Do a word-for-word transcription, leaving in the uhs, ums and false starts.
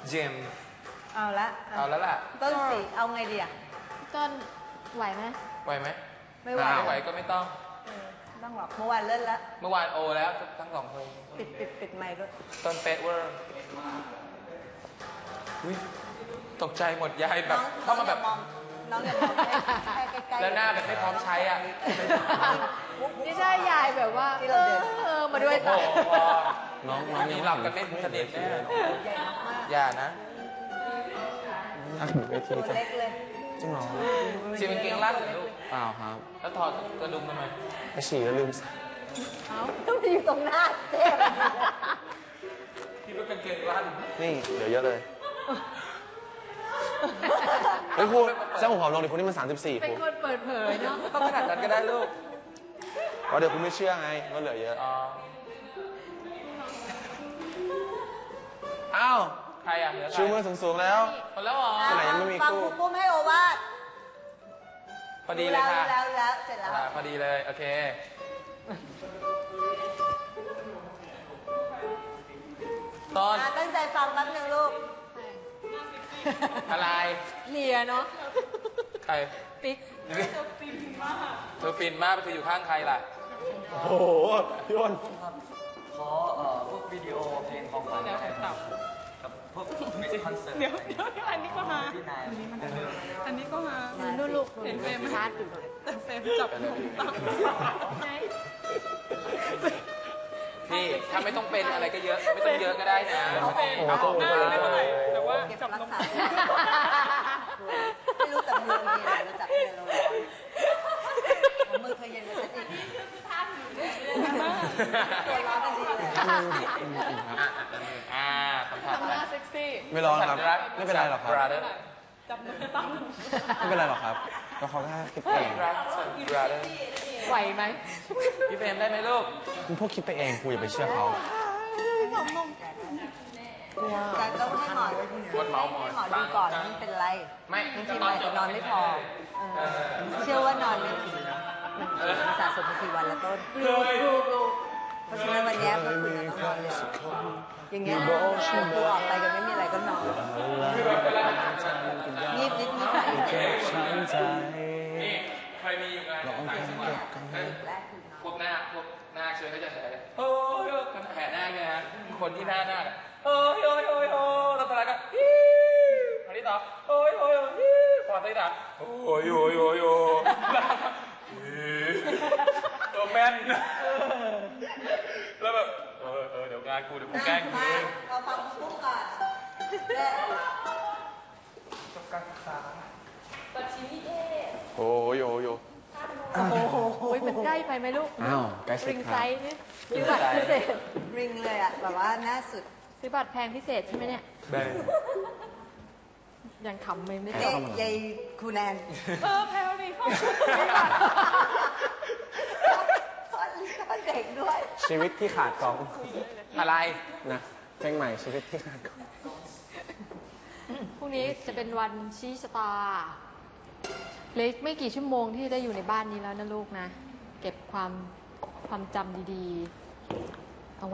เจมเอาละเอาแล้วล่ะต้นสีเอาไงดีอ่ะต้นไหวไหมไหวไหมไม่ไหวไม่ไหวก็ไม่ต้องต้องหรอกเมื่อวานเล่นแล้วเมื่อวานโอแล้วทั้งสองคนปิดปิดปิดไมค์ด้วยต้นเป๊ะเวอร์ตกใจหมดยายแบบเข้ามาแบบน้องอย่ามองให้ใกล้ๆแล้วหน้าแบบไม่พร้อมใช้อ่ะนี่ใช่ยายแบบว่าเออเออมาด้วยค่ะน้องน้องนี้หลับกันไม่สนิทแน่อย่านะเวทีจะเล็กเลยจริงเหรอฉี่เป็นเกงลั่นเหรอลูกเปล่าครับแล้วถอดกระดุมทำไมไปฉี่แล้วลืมใส่เอ้าต้องอยู่ตรงหน้าเจ๊คิดว่าเป็นเกงลั่นนี่เดี๋ยวเยอะเลยเฮ้ยครูเจ้าหัวหอมลงดิคุณนี่มันสามสิบสี่เป็นคนเปิดเผยเนาะต้องขนาดนั้นก็ได้ลูกเพราะเดี๋ยวคุณไม่เชื่อไงว่าเหลือเยอะอ้าวใครอ่ะเหลือชูมือสูงๆแล้วหมดแล้วเหรอที่ไหนยังไม่มีคู่ฟังครูปุ้มให้โอวาทพอดีเลยค่ะแล้วแล้วเสร็จแล้วพอดีเลยโอเคตอนตั้งใจฟังแป๊บนึงลูกอะไรเลียเนาะใครปิ๊กเธอฟินมากเธอฟินมากเธออยู่ข้างใครล่ะโอ้โหพี่อ้นขอเอ่อพวกวิดีโอเพลงของขวัญกับพวกมิวสิคคอนเสิร์ตเดี๋ยวเดี๋ยวอันนี้ก็มาอันนี้ก็มานู่นลูกเห็นเฟรมชาร์จอยู่แต่เฟรมจับนมตั้งพี่ถ้าไม่ต้องเป็นอะไรก็เยอะไม่ต้องเยอะก็ได้นะเอาหน้าไม่เป็นไรแต่ว่าจับนมไม่รู้แต่มือมีอะไรจับมือเราเลยมือเคยเย็นเลยสักทีตัวร้อนกันดีเลยอ่าสัมผัสทำหน้าเซ็กซี่ไม่ร้อนครับไม่เป็นไรหรอกครับจับนมตั้งไม่เป็นไรหรอกครับก็เขาแค่คิดเองไหวไหมพี่เฟรมได้ไหมลูกคุณพวกคิดไปเองคุณอย่าไปเชื่อเขาแต่ต้องให้หมอวดเมาส์หมอให้หมอดูก่อนมันเป็นไรไม่บางทีมันจะนอนไม่พอเชื่อว่านอนไม่ดีมันสะสมมากี่วันแล้วต้นเพราะฉะนั้นวันนี้เมื่อคืนต้องนอนเร็วอย่างเงี้ยครูออกไปกันไม่มีอะไรก็นอนงีบนิดนิดหน่อยนี่เคยมีอยู่ไงพวกหน้าพวกหน้าเชิญเขาจะแฉโอ้ยมันแผลหน้าไงฮะคนที่หน้าหน้าโอ้ยโอ้ยโอ้ยโอ้ยแล้วตอนนั้นก็ฮิอันนี้ต่อโอ้ยโอ้ยโอ้ยพอตีด่าโอ้ยโอ้ยโอ้ยโอ้ยตัวแม่นแล้วแบบเออเออเดี๋ยวงานกูเดี๋ยวกูแกล้งกูเราฟังปุ๊บก่อนจบการศึกษาปัจฉิมนิเทศโอ้ยโอ้ยโอ้โหมันใกล้ไปไหมลูกอ้าวใกล้สุดริงไซส์นี่ซื้อบัตรพิเศษริงเลยอ่ะแบบว่าหน้าสุดซื้อบัตรแพงพิเศษใช่ไหมเนี่ยได้ยังขำไม่ไม่จบยายคูแนนเออแพลวนี่เข้าคนเด็กด้วยชีวิตที่ขาดกองอะไรนะเพลงใหม่ชีวิตที่ขาดกองพรุ่งนี้จะเป็นวันชี้ชะตาเหลือไม่กี่ชั่วโมงที่ได้อยู่ในบ้านนี้แล้วนะลูกนะเก็บความความจำดีๆ